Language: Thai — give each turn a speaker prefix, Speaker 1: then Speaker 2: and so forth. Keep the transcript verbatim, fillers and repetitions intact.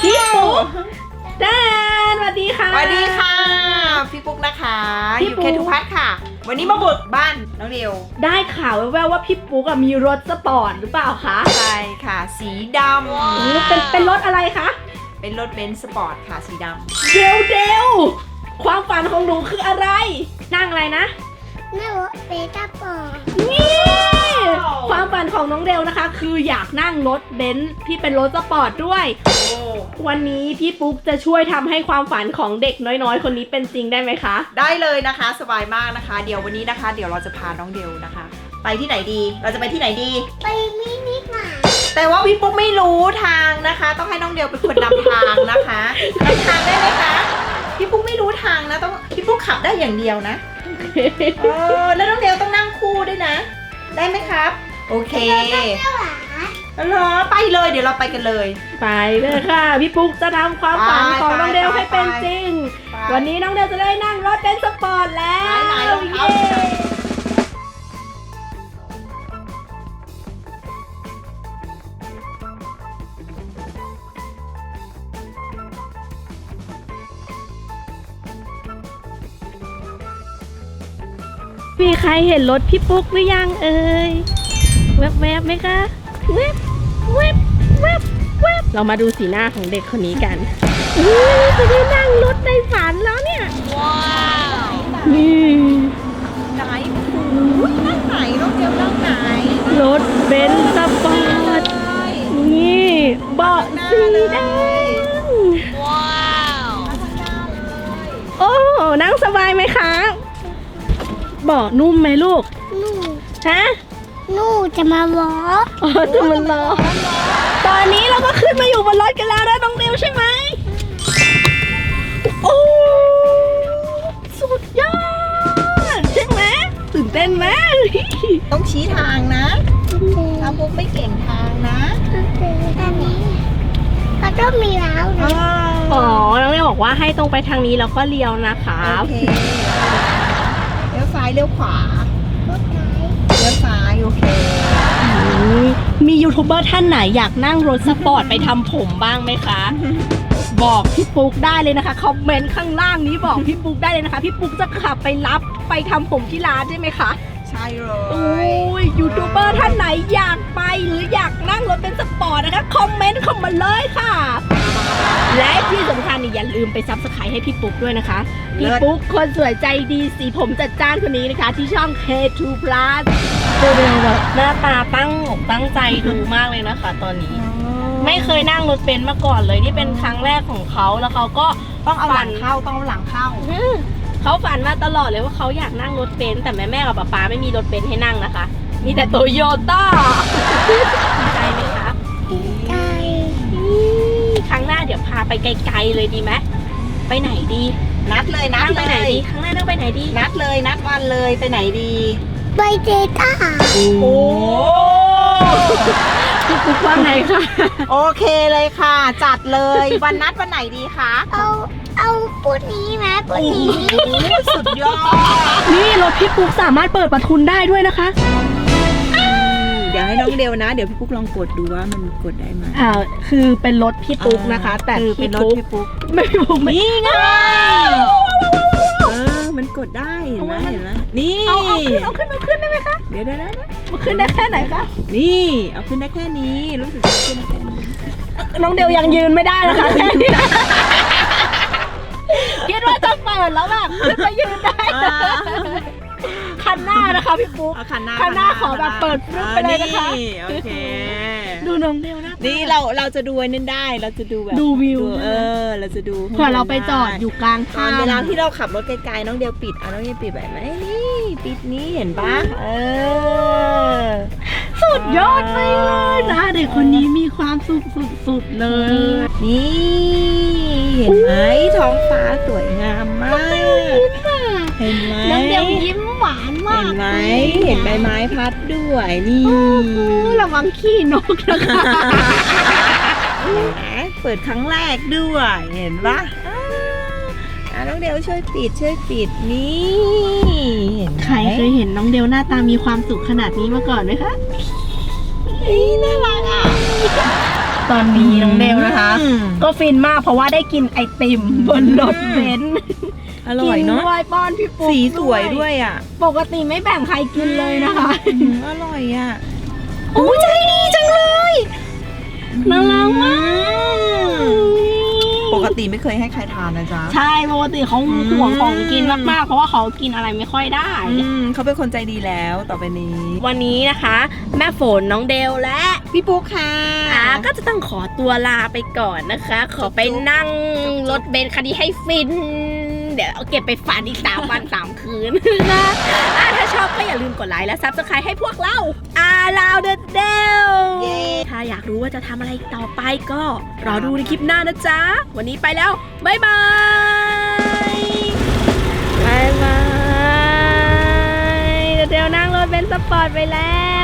Speaker 1: พี่ปุ๊กแดนสวัสดีค่ะ
Speaker 2: สวัสดีค่ะพี่ปุ๊กนะคะ
Speaker 1: พี่
Speaker 2: อยู่
Speaker 1: ปุ๊ก
Speaker 2: เคทุพัฒน์ค่ะ วันนี้มาบุกบ้านน้องเดียว
Speaker 1: ได้ข่าวแว่วๆว่าพี่ปุ๊กอะมีรถสปอร์ตหรือเปล่าคะ
Speaker 2: ใช่ค่ะ สีด
Speaker 1: โอ้เป็นเป็นรถอะไรคะ
Speaker 2: ำเป็นรถเบนซ์สปอร์ตค่ะสีด
Speaker 1: เดวเดวความฝันของหนูคืออะไร นั่งอะไรนะ
Speaker 3: นั่งรถเบต้าปอร์
Speaker 1: นี่ความฝันของน้องเดวนะคะ คืออยากนั่งรถเบนซ์ที่เป็นรถสปอร์ตด้วย
Speaker 2: ำโอ้
Speaker 1: วันนี้พี่ปุ๊กจะช่วยทำให้ความฝันของเด็กน้อยๆ คนนี้เป็นจริงได้ไหมคะ
Speaker 2: ได้เลยนะคะสบายมากนะคะ เดี๋ยววันนี้นะคะ เดี๋ยวเราจะพาน้องเดียวนะคะ ไปที่ไหนดี เราจะไปที่ไหนดี
Speaker 3: ไปมินิมาร์ท
Speaker 2: แต่ว่าพี่ปุ๊กไม่รู้ทางนะคะ ต้องให้น้องเดียวเป็นคนนำทางนะคะนำทางได้ไหมคะพี่ปุ๊กไม่รู้ทางนะต้องพี่ปุ๊กขับได้อย่างเดียวนะเออแล้วน้องเดียวต้องนั่งคู่ด้วยนะ ได้ไหมครับ โอเค
Speaker 3: เจ้าหวา
Speaker 2: แล้วเหรอไปเลยเดี๋ยวเราไปกันเลย
Speaker 1: ไปเลยค่ะ พี่ปุ๊กจะทำความฝันของน้องเดวให้เป็นจริง
Speaker 2: ไป
Speaker 1: วันนี้น้องเดวจะได้นั่งรถเบนซ์สปอร์ตแล้ว
Speaker 2: ไหนๆลองเอา
Speaker 1: เย้มีใครเห็นรถพี่ปุ๊กหรือยังเอ่ยแวบๆไหมคะแวบแวบแวบแวบเรามาดูสีหน้าของเด็กคนนี้กันอุ๊ยจะได้นั่งรถในฝันแล้วเนี่ย
Speaker 2: ว้าว
Speaker 1: นี่
Speaker 2: ไหนอุ้ยนั่งไหนน้องเดียวนั่งไหน
Speaker 1: รถเบนซ์สปอร์ต นี่เบาะสีแดง
Speaker 2: ว้าวข้างหน้าเลย
Speaker 1: โอ้ นั่งสบายไหมคะ เบาะนุ่มไหมลูก
Speaker 3: หนู
Speaker 1: ฮะ
Speaker 3: หนูจะมาล้อ
Speaker 1: อ๋อจะมันรอตอนนี้เราก็ขึ้นมาอยู่บนรถกันแล้วนะน้องเดวใช่ไหม โอ้ สุดยอด ใช่ไหมตื่นเต้นไหม
Speaker 2: ต้องชี้ทางนะถ้าปุ๊กไม่เก่งทางนะ
Speaker 3: อันนี้เขาต้องมีแล้วนะ
Speaker 1: อ๋อ น้องเดวบอกว่าให้ตรงไปทางนี้แล้วก็เลี้ยวนะคะ
Speaker 2: โอเคเลี้ยวซ้ายเลี้ยวขวาร
Speaker 3: ถไหน
Speaker 2: เลี้ยวซ้ายโอเค
Speaker 1: มียูทูบเบอร์ท่านไหนอยากนั่งรถสปอร์ตไปทำผมบ้างไหมคะ บอกพี่ปุ๊กได้เลยนะคะคอมเมนต์ข้างล่างนี้บอกพี่ปุ๊กได้เลยนะคะพี่ปุ๊กจะขับไปรับไปทำผมที่ร้านได้ไหมคะ
Speaker 2: ใช่เล
Speaker 1: โอ้
Speaker 2: ย
Speaker 1: ยยูทูบเบอร์ท่านไหนอยากไปหรืออยากนั่งรถเป็นสปอร์ตนะคะคอมเมนต์เข้ามาเลยค่ะ และที่สำคัญนี่อย่าลืมไปซับสไครต์ให้พี่ปุ๊กด้วยนะคะพี่ปุ๊กคนสวยใจดีสีผมจัดจ้านคนนี้นะคะ ที่ช่อง เค ทู Plus ดูแบบหน้าตาตั้งอกตั้งใจดูมากเลยนะคะ ตอนนี้ ไม่เคยนั่งรถเบนซ์มาก่อนเลยนี่เป็นครั้งแรกของเขาแล้วเขาก็
Speaker 2: ต้องเอาหลังเข้าต้องเอาหลังเข้า
Speaker 1: อืมเขาฝันมาตลอดเลยว่าเขาอยากนั่งรถเบนซ์แต่แม่แม่กับป๊าป๊าไม่มีรถเบนซ์ให้นั่งนะคะ มีแต่โตโยต้าดีใจไหมคะ
Speaker 3: ดีใจ
Speaker 1: อืมครั้งหน้าเดี๋ยวพาไปไกลๆเลยดีไหมไปไหนดี
Speaker 2: นัดเลยนั
Speaker 1: นั่
Speaker 2: ด
Speaker 1: งไป
Speaker 2: เล
Speaker 1: ไหน
Speaker 2: ย
Speaker 1: ดีครั้งหน้านั่งไปไหนดี
Speaker 2: นัดเลยนัดวันเลยไปไหนดี
Speaker 3: ไปเจต้า
Speaker 2: โอ้
Speaker 1: พี่ปุ๊กว่าไงคะ
Speaker 2: โอเคเลยค่ะ จัดเลยวันนัดวันไหนดีคะ
Speaker 3: เอาเอาปูนี้ไหมปูนี้
Speaker 2: สุดยอด
Speaker 1: นี่รถพี่ปุ๊กสามารถเปิดประทุนได้ด้วยนะคะ
Speaker 2: เดี๋ยวให้น้องเดียวนะ เดี๋ยวพี่ปุ๊กลองกดดูว่ามันกดได้ไหม
Speaker 1: อ่าคือเป็นรถพี่ปุ๊กนะคะ แต่
Speaker 2: คือเป็
Speaker 1: พี่
Speaker 2: นรถ
Speaker 1: ปุ๊ก
Speaker 2: พี่ปุ๊ก
Speaker 1: ไม่พี่ปุ๊กไม่ไง
Speaker 2: เออมันกดได้เห็นไหมเห็นไหมนี่
Speaker 1: เอาเอาขึ้นเอาขึ้นเอาขึ้นได้ไหมคะ
Speaker 2: เดี๋ยวเดี๋ยวเดี๋ยว
Speaker 1: มันขึ้นได้แค่ไหนคะ
Speaker 2: นี่เอาขึ้นได้แค่นี้รู้สึกจะขึ้นได้แค่นี้
Speaker 1: น้องเดียวยังยืนไม่ได้นะคะแค่นี้นะคิดว่าจะเปิดแล้วแบบขึ้นไปยืนได้คันหน้านะคะพี่ปุ๊ก
Speaker 2: เอาคันหน้า
Speaker 1: คันหน้าขอแบบเปิดฟลุ๊กไปเลยนะคะ
Speaker 2: นี่โอเค
Speaker 1: ดูน้องเดียวนะ
Speaker 2: นี่เราเราจะดูไอ้นั่นได้เราจะดูแบบ
Speaker 1: ดูวิว
Speaker 2: เออเราจะดู
Speaker 1: เผื่อเราไปจอดอยู่กลาง
Speaker 2: ตอ
Speaker 1: ทาน ง
Speaker 2: เวลาที่เราขับรถไกลๆน้องเดียวปิดอ่ะน้องเดียวปิดแบบไหนนี่ปิดนี้เห็นปะเออ
Speaker 1: สุดยอดไปเลยนะเด็กคนนี้มีความสุขสุดๆเลย
Speaker 2: นี่เห็นไหมท้องฟ้าสวยงามมาก เห็นไหม
Speaker 3: น้องเดียวยิ้มหวานมา
Speaker 2: เห็
Speaker 3: ก
Speaker 2: นไหมเห็นใบไม้พัดด้วยนี่
Speaker 1: ระวังขี้นกนะคะ
Speaker 2: เห็นไหมเปิดครั้งแรกด้วยเห็นปะอ่าอ่ะน้องเดียวช่วยปิดช่วยปิดนี่เห็นไหม
Speaker 1: ใครเคยเห็นน้องเดียวหน้าตามีความสุขขนาดนี้มาก่อนไหมคะ
Speaker 2: นี่น่ารักอ่ะ
Speaker 1: ตอนนี้น้องเดลนะคะ
Speaker 2: อืม
Speaker 1: ก็ฟินมากเพราะว่าได้กินไอติมบนรถเบนซ์
Speaker 2: อร่อยเนาะ
Speaker 1: กิด้วยป้อนพี่ปุ๊ก
Speaker 2: สีสวยด้วยอ่ะ
Speaker 1: ปกติไม่แบ่งใครกินเลยนะคะ
Speaker 2: อืมอร่อยอ่ะ
Speaker 1: โอ้ยใจดีจังเลยน่ารักมาก
Speaker 2: ปกติไม่เคยให้ใครทานนะจ๊ะ
Speaker 1: ใช่ปกติเขาห่วงของกินมากๆเพราะว่าเขากินอะไรไม่ค่อยได้
Speaker 2: อืมเขาเป็นคนใจดีแล้วต่อไปนี้
Speaker 1: วันนี้นะคะ แม่ฝนน้องเดลและ
Speaker 2: พี่ปุ๊กค่ะ
Speaker 1: อ่าก็จะต้องขอตัวลาไปก่อนนะคะ ขอไปนั่งรถเบนซ์คันนี้ให้ฟิน เดี๋ยวเอาเก็บไปฝันอีกสามวันสามคืนนะอ่าถ้าชอบก็อย่าลืมกดไลค์และซับสไครต์ให้พวกเราอาลาวเดอะเดลถ้าอยากรู้ว่าจะทำอะไรต่อไปก็รอดูในคลิปหน้านะจ๊ะ วันนี้ไปแล้ว บ๊ายบายบายบายเดลนั่งรถเบนซ์สปอร์ตไปแล้ว